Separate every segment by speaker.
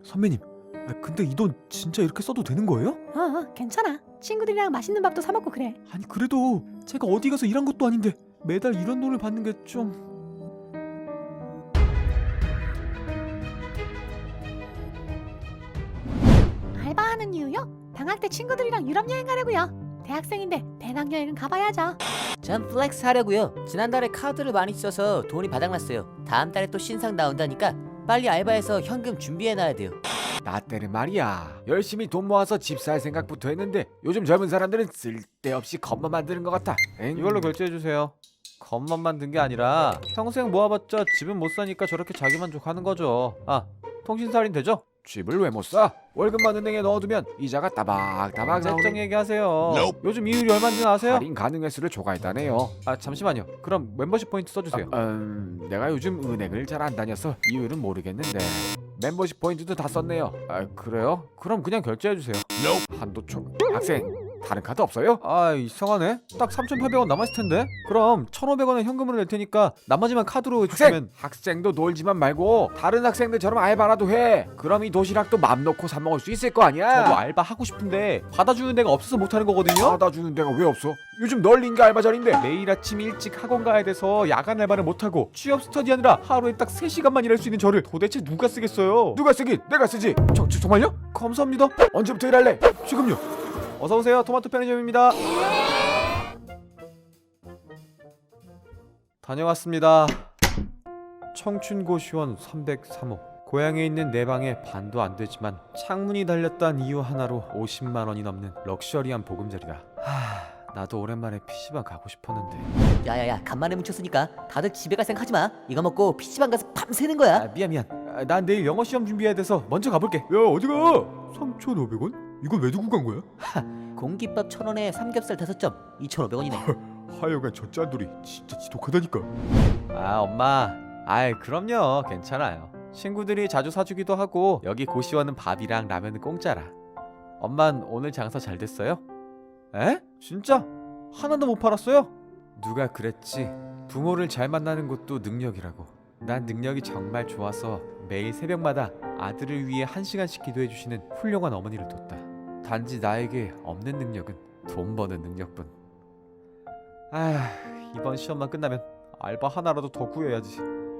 Speaker 1: 선배님, 근데 이 돈 진짜 이렇게 써도 되는 거예요?
Speaker 2: 괜찮아. 친구들이랑 맛있는 밥도 사 먹고 그래.
Speaker 1: 아니 그래도 제가 어디 가서 일한 것도 아닌데 매달 이런 돈을 받는 게 좀...
Speaker 2: 알바하는 이유요? 방학 때 친구들이랑 유럽 여행 가려고요. 대학생인데 배낭여행은 가봐야죠.
Speaker 3: 전 플렉스 하려고요. 지난달에 카드를 많이 써서 돈이 바닥났어요. 다음 달에 또 신상 나온다니까 빨리 알바해서 현금 준비해놔야 돼요.
Speaker 4: 나 때는 말이야 열심히 돈 모아서 집 살 생각부터 했는데 요즘 젊은 사람들은 쓸데없이 겁만 만드는 것 같아.
Speaker 1: 이걸로 결제해주세요. 겉만 만든 게 아니라 평생 모아봤자 집은 못 사니까 저렇게 자기만족하는 거죠. 아, 통신사할인 되죠?
Speaker 4: 집을 왜 못 사? 월급만 은행에 넣어두면 이자가 따박따박
Speaker 1: 세정
Speaker 4: 나오니
Speaker 1: 얘기하세요. 요즘 이율이 얼마인지 아세요?
Speaker 4: 할인 가능 횟수를 초과했다네요.
Speaker 1: 아 잠시만요. 그럼 멤버십 포인트 써주세요.
Speaker 4: 내가 요즘 은행을 잘 안 다녀서 이유는 모르겠는데 멤버십 포인트도 다 썼네요.
Speaker 1: 아 그래요? 그럼 그냥 결제해주세요.
Speaker 4: 한도 초... 학생 다른 카드 없어요?
Speaker 1: 아 이상하네. 딱 3,800원 남았을 텐데. 그럼 1,500원은 현금으로 낼 테니까 나머지만 카드로
Speaker 4: 학생!
Speaker 1: 주시면.
Speaker 4: 학생도 놀지만 말고 다른 학생들처럼 알바라도 해. 그럼 이 도시락도 맘 놓고 사 먹을 수 있을 거 아니야.
Speaker 1: 저도 알바 하고 싶은데 받아주는 데가 없어서 못하는 거거든요.
Speaker 4: 받아주는 데가 왜 없어? 요즘 널린 게 알바 자리인데.
Speaker 1: 매일 아침 일찍 학원 가야 돼서 야간 알바를 못하고 취업 스터디하느라 하루에 딱 3시간만 일할 수 있는 저를 도대체 누가 쓰겠어요?
Speaker 4: 누가 쓰긴 내가 쓰지. 정말요?
Speaker 1: 감사합니다.
Speaker 4: 언제부터 일할래?
Speaker 1: 지금요. 어서오세요. 토마토 편의점입니다. 다녀왔습니다. 청춘고시원 303호. 고향에 있는 내 방에 반도 안 되지만 창문이 달렸단 이유 하나로 50만 원이 넘는 럭셔리한 보금자리다. 나도 오랜만에 PC방 가고 싶었는데.
Speaker 3: 야야야 간만에 뭉쳤으니까 다들 집에 갈 생각 하지마. 이거 먹고 PC방 가서 밤새는 거야.
Speaker 1: 미안. 난 내일 영어 시험 준비해야 돼서 먼저 가볼게. 야 어디가? 3,500원? 이건 왜 두고 간 거야?
Speaker 3: 공깃밥 1,000원에 삼겹살 5점 2,500원이네.
Speaker 1: 하여간 저 짠돌이 진짜 지독하다니까. 아 엄마, 아이 그럼요, 괜찮아요. 친구들이 자주 사주기도 하고 여기 고시원은 밥이랑 라면은 공짜라. 엄만 오늘 장사 잘 됐어요? 에? 진짜? 하나도 못 팔았어요? 누가 그랬지, 부모를 잘 만나는 것도 능력이라고. 난 능력이 정말 좋아서 매일 새벽마다 아들을 위해 1시간씩 기도해주시는 훌륭한 어머니를 뒀다. 단지 나에게 없는 능력은 돈 버는 능력뿐. 이번 시험만 끝나면 알바 하나라도 더 구해야지.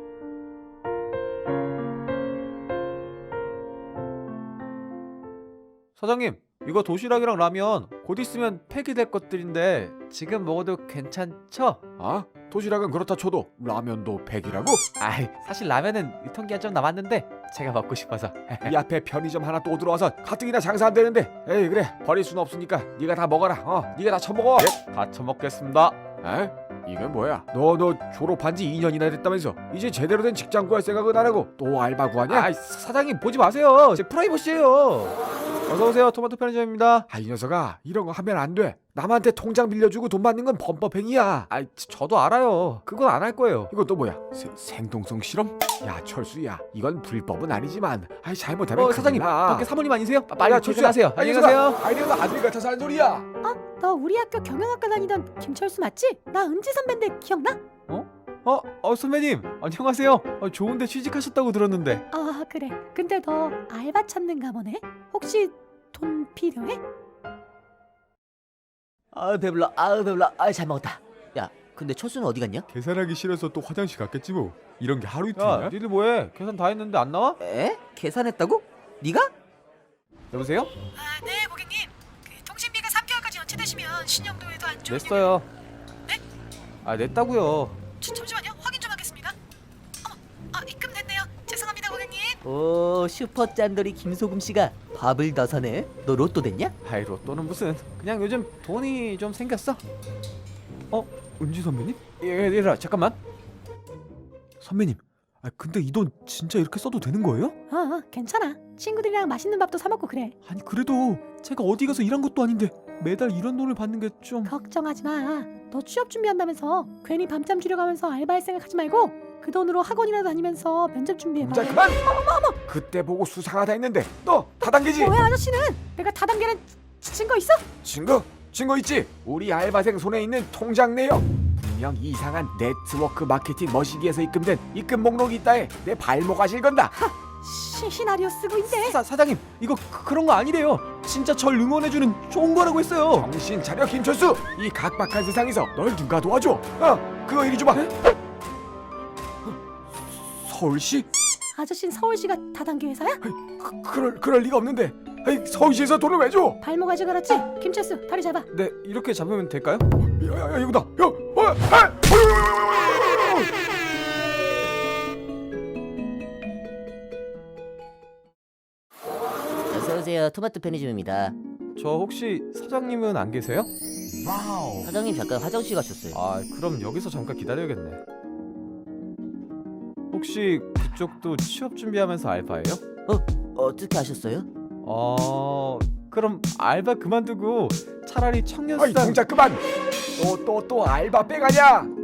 Speaker 1: 사장님, 이거 도시락이랑 라면 곧 있으면 폐기될 것들인데 지금 먹어도 괜찮죠?
Speaker 4: 아? 도시락은 그렇다 쳐도 라면도 100이라고?
Speaker 1: 사실 라면은 유통기한 좀 남았는데 제가 먹고 싶어서.
Speaker 4: 이 앞에 편의점 하나 또 들어와서 가뜩이나 장사 안 되는데. 에이 그래 버릴 순 없으니까 네가 다 먹어라. 네가 다 처먹어.
Speaker 1: 다 처먹겠습니다.
Speaker 4: 에? 이게 뭐야? 너 졸업한 지 2년이나 됐다면서 이제 제대로 된 직장 구할 생각은 안 하고 또 알바 구하냐?
Speaker 1: 사장님 보지 마세요. 제 프라이버시예요. 어서오세요. 토마토 편의점입니다.
Speaker 4: 이 녀석아 이런 거 하면 안 돼. 남한테 통장 빌려주고 돈 받는 건 범법행위야.
Speaker 1: 저도 알아요. 그건 안 할 거예요.
Speaker 4: 이건 또 뭐야? 생동성 실험? 야 철수야 이건 불법은 아니지만 잘못하면
Speaker 1: 사장님
Speaker 4: 큰일 나.
Speaker 1: 밖에 사모님 아니세요?
Speaker 4: 야,
Speaker 1: 빨리
Speaker 4: 철수야.
Speaker 1: 퇴근하세요. 안녕히 가세요.
Speaker 4: 내가 아들 같아서 하는 소리야.
Speaker 2: 너 우리 학교 경영학과 다니던 김철수 맞지? 나 은지 선배인데 기억나?
Speaker 1: 선배님 안녕하세요. 좋은데 취직하셨다고 들었는데.
Speaker 2: 그래. 근데 너 알바 찾는가 보네? 혹시 돈 필요해?
Speaker 3: 배불러. 잘 먹었다. 야 근데 철수는 어디 갔냐?
Speaker 1: 계산하기 싫어서 또 화장실 갔겠지 뭐. 이런 게 하루 이틀이야? 니들 뭐해? 계산 다 했는데 안 나와?
Speaker 3: 에? 계산했다고? 네가?
Speaker 1: 여보세요?
Speaker 2: 네 고객님. 통신비가 3개월까지 연체되시면 신용도에도 안 좋은
Speaker 1: 냈어요.
Speaker 2: 네?
Speaker 1: 냈다고요.
Speaker 2: 잠시만요. 확인 좀 하겠습니다. 입금됐네요. 죄송합니다 고객님.
Speaker 3: 오 슈퍼 짠돌이 김소금씨가 밥을 더 사네. 너 로또 됐냐?
Speaker 1: 로또는 무슨. 그냥 요즘 돈이 좀 생겼어. 은지 선배님? 얘들아 잠깐만. 선배님, 근데 이 돈 진짜 이렇게 써도 되는 거예요?
Speaker 2: 괜찮아. 친구들이랑 맛있는 밥도 사 먹고 그래.
Speaker 1: 아니 그래도 제가 어디 가서 일한 것도 아닌데 매달 이런 돈을 받는 게 좀...
Speaker 2: 걱정하지 마. 너 취업 준비한다면서 괜히 밤잠 줄여가면서 알바할 생각하지 말고 그 돈으로 학원이나 다니면서 면접 준비해봐.
Speaker 4: 자 그만. 그때 보고 수상하다 했는데 너 다단계지?
Speaker 2: 왜 아저씨는 내가 다단계는 증거 있어?
Speaker 4: 증거 있지? 우리 알바생 손에 있는 통장 내역. 분명 이상한 네트워크 마케팅 머시기에서 입금된 입금 목록이 있다에 내 발목 아실 건다.
Speaker 2: 시나리오 쓰고 있네.
Speaker 1: 사장님 이거 그런 거 아니래요. 진짜 절 응원해주는 좋은 거라고 했어요.
Speaker 4: 정신 차려 김철수. 이 각박한 세상에서 널 누가 도와줘? 그거 이리 줘봐. 서울시?
Speaker 2: 아저씨는 서울시가 다단계 회사야?
Speaker 4: 그럴 리가 없는데. 서울시에서 돈을 왜 줘?
Speaker 2: 발목 아주 그렇지. 김철수 다리 잡아.
Speaker 1: 네 이렇게 잡으면 될까요?
Speaker 4: 야, 이거다.
Speaker 3: 어서 오세요. 토마토 편의점입니다.
Speaker 1: 저 혹시 사장님은 안 계세요?
Speaker 3: 사장님 잠깐 화장실 가셨어요.
Speaker 1: 아 그럼 여기서 잠깐 기다려야겠네. 혹시 그쪽도 취업 준비하면서 알바예요?
Speaker 3: 어떻게 아셨어요?
Speaker 1: 그럼 알바 그만두고 차라리 청년수당
Speaker 4: 동작 그만. 또 알바 빼가냐?